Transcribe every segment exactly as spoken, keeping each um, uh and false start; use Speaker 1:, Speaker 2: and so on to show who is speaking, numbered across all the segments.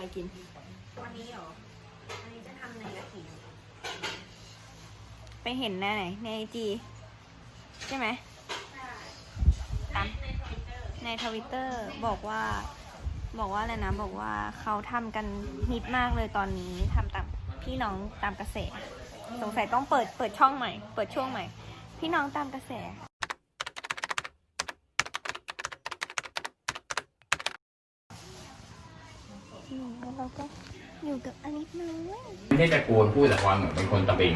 Speaker 1: อะไรกิน
Speaker 2: วันนี้เหรอวันนี้จะทำในกะทิ
Speaker 1: ไปเห็นหน้าไหนในไอจีใช่ไหมตามในทวิตเตอร์บอกว่าบอกว่าอะไรนะบอกว่าเขาทำกันฮิตมากเลยตอนนี้ทำตามพี่น้องตามกระแสสงสัยต้องเปิดเปิดช่องใหม่เปิดช่วงใหม่พี่น้องตามกระแสแล้วเราก็อยู่กับอลิสน้อย
Speaker 3: ไม่ได้ตะโกนพูดแต่ความเหมือนเป็นคนตะเบง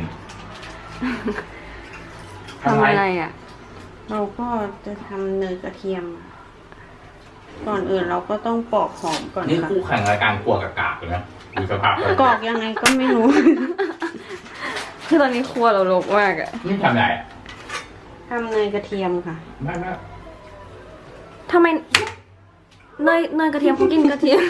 Speaker 1: ทำอะไรอ่ะ
Speaker 2: เราก็จะทำเนยกระเทียมก่อนอื่นเราก็ต้องปอกหอมก่อน
Speaker 3: นี่
Speaker 2: ค่ะ
Speaker 3: คู่แข่งรายการครัวกับกากเลยนะดูสภาพ
Speaker 2: กอกยังไงก็ไม่รู้
Speaker 1: คือตอนนี้ครัวเรารกมากอ่ะ
Speaker 3: นี่ทำอะไร
Speaker 2: ทำเนยกระเทียมค่ะ
Speaker 3: ไม่ไม่
Speaker 1: ทำไมเนยเนยกระเทียมเขากินกระเทียม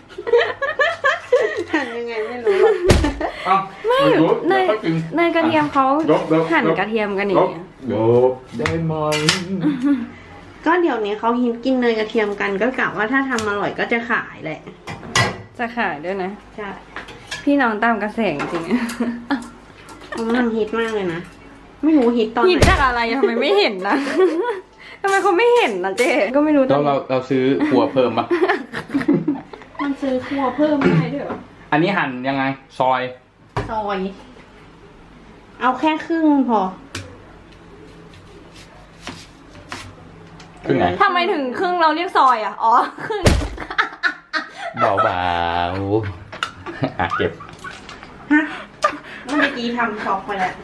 Speaker 2: หั่นยังไงไม่รู้
Speaker 1: ไม่เนยเนยกระเทียมเขาหั่นกระเทียมกันอย่างเงี้ย
Speaker 3: โยกได้ไหม
Speaker 2: ก็เดี๋ยวนี้เขาฮิตกินเนยกระเทียมกันก็กะว่าถ้าทำอร่อยก็จะขายแหละ
Speaker 1: จะขายด้วยนะ
Speaker 2: ใช่
Speaker 1: พี่น้องตามกระแสจริง
Speaker 2: ๆเขากำลังฮิตมากเลยนะไม่รู้ฮิตตอนไหน
Speaker 1: ฮิตจากอะไรทำไมไม่เห็นนะทำไมเขาไม่เห็นนะเจ๊ก็ไม่รู้
Speaker 3: เราเราเราซื้อครัวเพิ่มปะ
Speaker 2: มันซื้อครัวเพิ่มได้ด้วยเหรอ
Speaker 3: อันนี้หั่นยังไงซอย
Speaker 2: ซอยเอาแค่ครึ่งพอ
Speaker 3: ครึ่งไหน
Speaker 1: ทำไมถึงครึ่งเราเรียกซอยอ่ะอ๋อครึ่ง
Speaker 3: เบาๆอ่ะเก็บ
Speaker 2: ฮะเมื่อกี้ทำช็อกไปแล้ว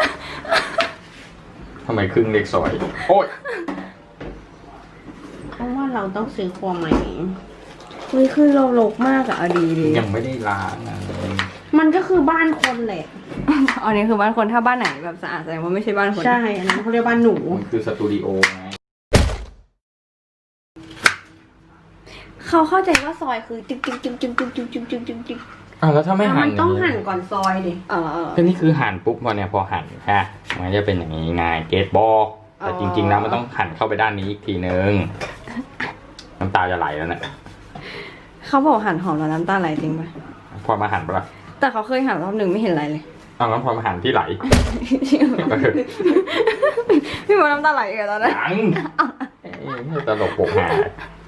Speaker 3: ทำไมครึ่งเล็กซอยโอ้ย
Speaker 2: เพราะว่าเราต้องซื้อครัวใหม่
Speaker 1: เฮ้ยคือเราลกมากอะดีดี
Speaker 3: ยังไม่ได้ล้างเลย
Speaker 2: มันก็คือบ้านคนแหละ
Speaker 1: อันนี้คือบ้านคนถ้าบ้านไหนแบบสะอาดแสดงว่าไม่ใช่บ้านคน
Speaker 2: ใช่อันนั้นเขาเรียกบ้านหนู
Speaker 3: มันคือสตูดิโอไง
Speaker 1: เขาเข้าใจว่าซอยคือจึ๊กจึ๊กจึ๊กจึ๊กจึ๊กจึ๊กจึ๊กจึ๊กจึ๊กจึ๊ก
Speaker 3: อ่ะแล้วถ้าไม่หั่น
Speaker 2: มันต้องหั่นก่อนซอยดิ
Speaker 1: อ๋อ
Speaker 3: ก็นี่คือหั่นปุ๊บพอเนี่ยพอหั่นฮะมันจะเป็นอย่างนี้ไงเกตบอกแต่จริงๆแล้วมันต้องหั่นเข้าไปด้านนี้อีกทีนึงน้ำตาจะไหลแล้วเนี่ย
Speaker 1: เขาบอกหั่นหอมแล้วน้ำตาไหลจริงไหม
Speaker 3: พอมาหั่นปะล่ะ
Speaker 1: แต่เขาเคยหั่นรอบหนึ่งไม่เห็นอะไรเลย
Speaker 3: อ้าวงั้นพอมาหั่นที่ไหล
Speaker 1: พี่มดน้ำตาไหลกันตอนนั้น
Speaker 3: ยังตลกโปกหา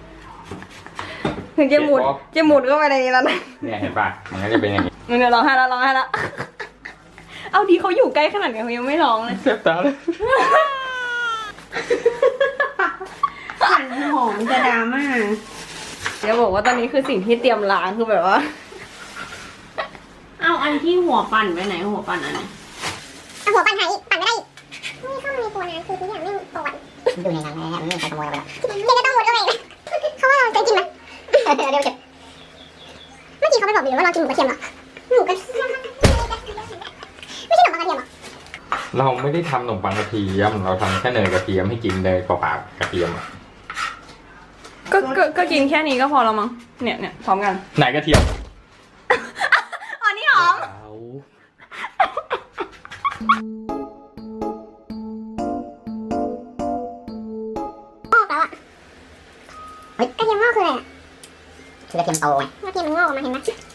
Speaker 1: ถึงจะหมุดจะหมุดก็ไปในนี้แล้วนะ
Speaker 3: เนี่ยเห็นป่ะมันก็จะเป็นอย่างนี้
Speaker 1: มันจะร้องไห้แล้วร้องไห้แล้วเอาดีเขาอยู่ใกล้ขนาดนี้เขายังไม่ร้องเลย
Speaker 3: เจ็บตาเลย
Speaker 2: หั่นหอมจะดราม่า
Speaker 1: เดี๋ยวบอกว่าตอนนี้คือสิ่งที่เตรียมล้างคือแบบว่า
Speaker 2: เอาอันที่หัวปั่นไปไหนหัวปั่นอันไหน
Speaker 4: เอาหัวปั่นหายอีกปั่นไม่ได้อีกนี่เข้ามาในตัวนะคือทุกอย่างไม่ปวดดูในนั้นเลยไม่มีใครขโมยไปแล้วเด็กก็ต้องมุดเข้าไปเขาว่าเราจะกินไหมเดี๋ยวเก็บเมื่อกี้เขาไปบอกบิวว่าเรากินหมูกระเทียมหรอหมูกระเทียมไม่ใช่ขนมปังกระเทียมหรอ
Speaker 3: เราไม่ได้ทำขนมปังกระเทียมเราทำแค่เนยกระเทียมให้กินเนยเปล่าๆกระเทียม
Speaker 1: ก็ก็ก็กินแค่นี้ก็พอแล้วมั้งเนี่ยเนี่ยพร้อมกัน
Speaker 3: ไหนกระเทียม
Speaker 1: อ๋อนี่หอม
Speaker 4: งอกแล้วอ่ะเฮ้ยกระเทียมงอกคืออะไรอ่ะคือกระเทียมโตไงกระเทียมมันงอกออกมาเห็นไหม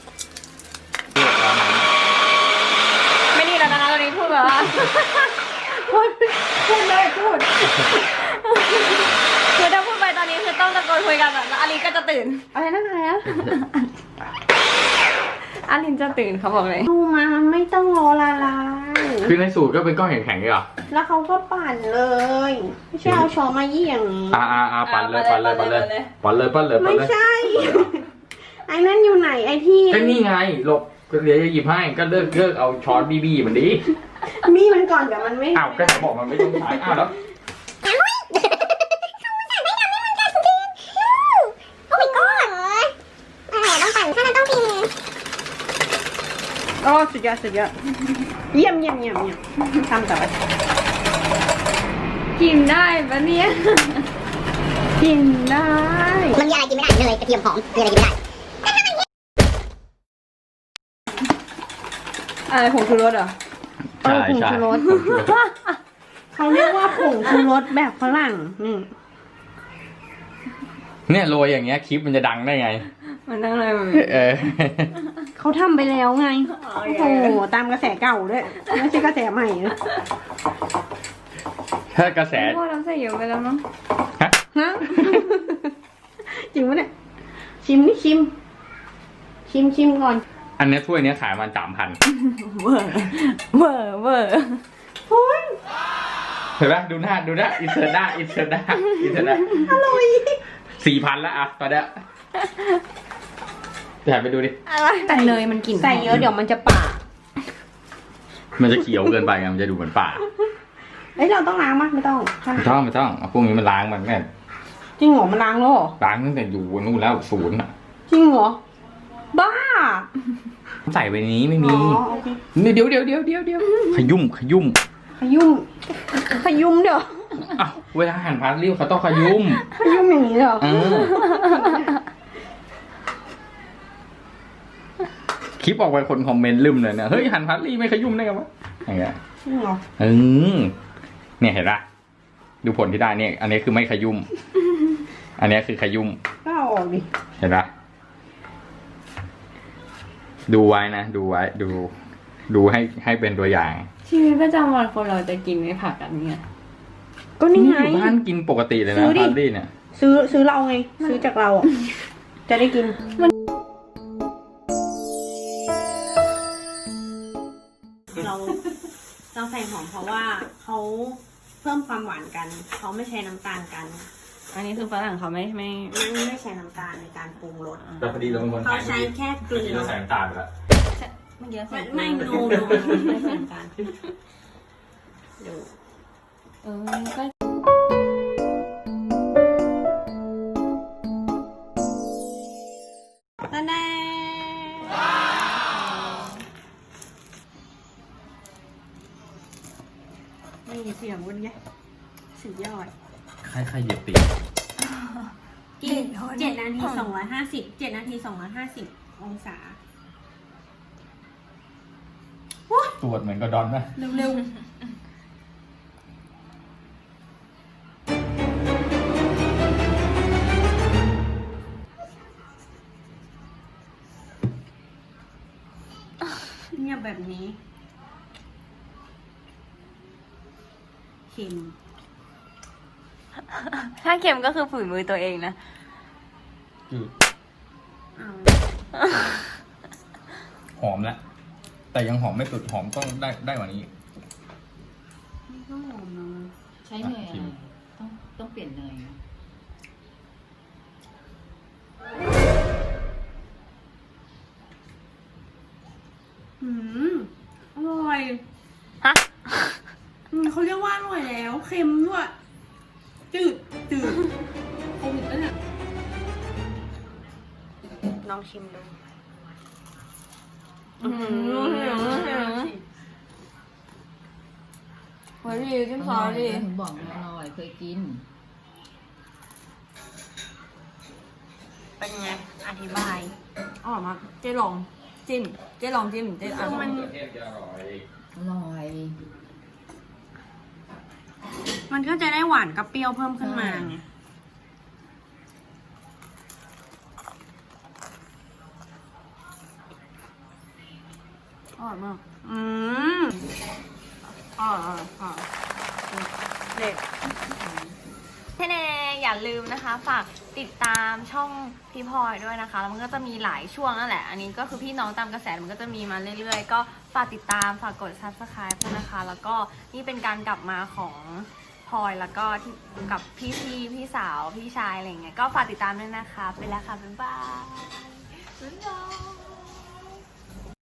Speaker 1: ไม่ดีแล้วนะตอนนี้พูดแบบว่าพูดพูดเลยพูดคือถ้าพูดไปตอนนี้คือต้องตะโกนคุยกันแบบแล้วอลินก็จะตื่นอะไรนั่นอะไรอะอลินจะตื่นเขาบอกเลย
Speaker 2: ดูมามันไม่ต้องรอละลาย
Speaker 3: คือในสูตรก็เป็นก้อนแข็งๆเลยเหรอ
Speaker 2: แล้วเขาก็ปั่นเลยไม่ใช่เอาช้อนมาเยี่ยง
Speaker 3: อ่าอ่าอ่าปั่นเลยปั่นเลยปั่นเลยปั่นเลยปั่นเลย
Speaker 2: ไม่ใช่ไอ้นั่นอยู่ไหนไอ้ที่
Speaker 3: ก็นี่ไงหลบก็เดี๋ยวจะหยิบให้ก็เลิกเลิกเอาช้อนบีบีมันดิ
Speaker 2: มีมันก่อนเดี๋ยวมันไม่
Speaker 3: อ้าวก็จะบอกมันไม่ต้องใช้อ้าวแล้ว
Speaker 1: โอ้สุดยอดสุดยอด
Speaker 2: เยี่ยมเยี่ยมเยี่ยมเยี่ยมทำต่อไป
Speaker 1: กินได้ปะเนี่ย
Speaker 2: กินได้
Speaker 4: มันมีอะไรกินไม่ได้เลยกระเทียมหอมมีอะไรกินไม่ได้
Speaker 1: อะไรผงชูรสเหรอ
Speaker 2: เออผงชูรสเขาเรียกว่าผงชูรสแบบฝรั่งนี่
Speaker 3: เนี่ยโรยอย่างเงี้ยคลิปมันจะดังได้ไง
Speaker 1: มันนั่งอะไรมัน
Speaker 3: เออ
Speaker 2: เขาทำไปแล้วไง
Speaker 1: อ๋อ
Speaker 2: โอ้โหตามกระแสเก่าด้วยไม่ใช่กระแสใหม่นะ
Speaker 3: ถ้ากระแส
Speaker 1: พ่อเราใส่เยอะไปแล้วมั้ง
Speaker 3: ฮะ
Speaker 2: ฮะ จริงปะเนี่ยชิมนี่ชิม ชิมชิมก่อน
Speaker 3: อันเนี้ยถ้วยเนี้ยขายมันสามพัน
Speaker 1: เวอร์เวอร์เวอร์
Speaker 3: เห็นปะดูหน้าดูหน้าอินเสิร์ตหน้าอินเสิร์ตหน้าอินเสิร์ตหน้าอร่อยสี่พันละอะตอนเนี้ยไปหาไปดูดิ
Speaker 1: แต่เนยมันกลิ่น
Speaker 2: ใส่เยอะเดี๋ยวมันจะป่า
Speaker 3: มันจะเขียวเกินไปไงมันจะดูเหมือนป่า
Speaker 2: เอ้ยเราต้องล้างมั้ยไม่ต้อง
Speaker 3: ไม่ต้องไม่ต้องเอาพวกนี้มันล้างมันแม่
Speaker 2: จริงเหรอมันล้างแล้วเหรอ
Speaker 3: ล้างตั้งแต่อยู่นู่นแล้วศูนย์อ่ะ
Speaker 2: จริงเหรอ บ้า
Speaker 3: ใส่ไปในนี้ไม่มี
Speaker 2: อ๋อโอเค
Speaker 3: เดี๋ยวเดี๋ยวเดี๋ยวเดี๋ยวเดี๋ยวขยุ่มขยุ่ม
Speaker 2: ขยุ่มขยุ่มเดี๋ยว
Speaker 3: อ้าวเวลาหั่นพาสลีย์เขาต้องขยุ่ม
Speaker 2: ขยุ่มอย่างนี้เหรอ
Speaker 3: เออคลิปออกไปคนคอมเมนต์ลืมเลยเนี่ยเฮ้ยหั่นพาสลีย์ไม่ขยุ่มได้ไงวะอย่างเงี้ย
Speaker 2: จริงเหรอ
Speaker 3: เออเนี่ยเห็นปะดูผลที่ได้เนี่ย อันนี้คือไม่ขยุ่ม อันนี้คือขยุ่ม
Speaker 2: ก็เอาออกดิ
Speaker 3: เห็นปะดูไว้นะ ดูไว้ ดู ดูให้ให้เป็นตัวอย่าง
Speaker 1: ชีวิตประจำวันคนเราจะกินในผักอันนี้
Speaker 2: ก็นี่ไง
Speaker 3: อยู่บ้านกินปกติเลย
Speaker 2: ซื้
Speaker 3: นะ
Speaker 2: อดิ
Speaker 3: พาสลีย์เนี่ย
Speaker 2: ซื้อซื้อเราไง ซื้อจากเราอ่ะ จะได้กิน เราเราใส่หอมเพราะว่าเขาเพิ่มความหวานกัน เขาไม่ใช้น้ำตาลกัน
Speaker 1: อันนี้คือฝรั่งเขาไม่ไม่
Speaker 2: ไม่ไม่ใช้น้ำตาลในการปรุงรส
Speaker 3: แต่พอดีเราเป็นคน
Speaker 2: เขาใช้แค่เกลือ
Speaker 3: เราใส่น้ำตาลไปแล้ว
Speaker 1: เมื่อกี้ใส่
Speaker 2: ไม่
Speaker 1: เกลื
Speaker 2: ไม่
Speaker 1: อ
Speaker 2: โนโนไม่ใส่น้ำตาลดู
Speaker 1: เออก็
Speaker 2: ตาแน่นี่เสียงวันไงสุดยอด
Speaker 3: ใครใครเหยียบตี
Speaker 2: กินเจ็ดนาทีสองร้อยห้าสิบเจ็ดนาทีสองร้อยห้าสิบองศา
Speaker 3: ตรวจเหมือนกระดอนนะ
Speaker 2: เร็วๆเงียบแบบนี้ เค็ม
Speaker 1: ถ้าเค็มก็คือฝืนมือตัวเองนะ
Speaker 3: จืด
Speaker 2: อ้าว
Speaker 3: หอมแล้ว แต่ยังหอมไม่สุด หอมต้องได้ได้กว่านี้
Speaker 2: นี่ก็หอมนะ
Speaker 5: ใช้เนยอะไรต้องต้องเปลี่ยนเนย
Speaker 2: อืมอร่อย
Speaker 1: ฮะ
Speaker 2: อืมเขาเรียกว่าอร่อยแล้ว เค็มด้วย จืด จืดโควิดแล้วเนี่ยลองชิมดู
Speaker 1: อืมเฮ้ยดีจิ้มซอสดี
Speaker 5: ถึงบอกมันอร่อยเคยกิน
Speaker 2: เป็นไง อธิบาย
Speaker 1: อ๋อมาเจ๊ลองจิ้มเจ๊ลองจิ้มเจ๊อ่ะ
Speaker 2: มัน
Speaker 3: เทศจะอร่อย
Speaker 5: อร่อย
Speaker 2: มันก็จะได้หวานกับเปรี้ยวเพิ่มขึ้นมาไง
Speaker 1: อร่อยมาก
Speaker 2: อืม
Speaker 1: อร่อยอร่อยอร่อยเด็ดเท่เนอย่าลืมนะคะ ฝากติดตามช่องพี่พลอยด้วยนะคะแล้วมันก็จะมีหลายช่วงนั่นแหละ อันนี้ก็คือพี่น้องตามกระแสมันก็จะมีมาเรื่อยๆ ก็ฝากติดตามฝากกด ซับสไครบ์ ด้วยนะคะ แล้วก็นี่เป็นการกลับมาของพลอยแล้วก็ที่กับพี่พี่พี่สาวพี่ชายอะไรอย่างเงี้ยก็ฝากติดตามด้วยนะคะไปแล้วค่ะบ๊ายบายบ๊ายบาย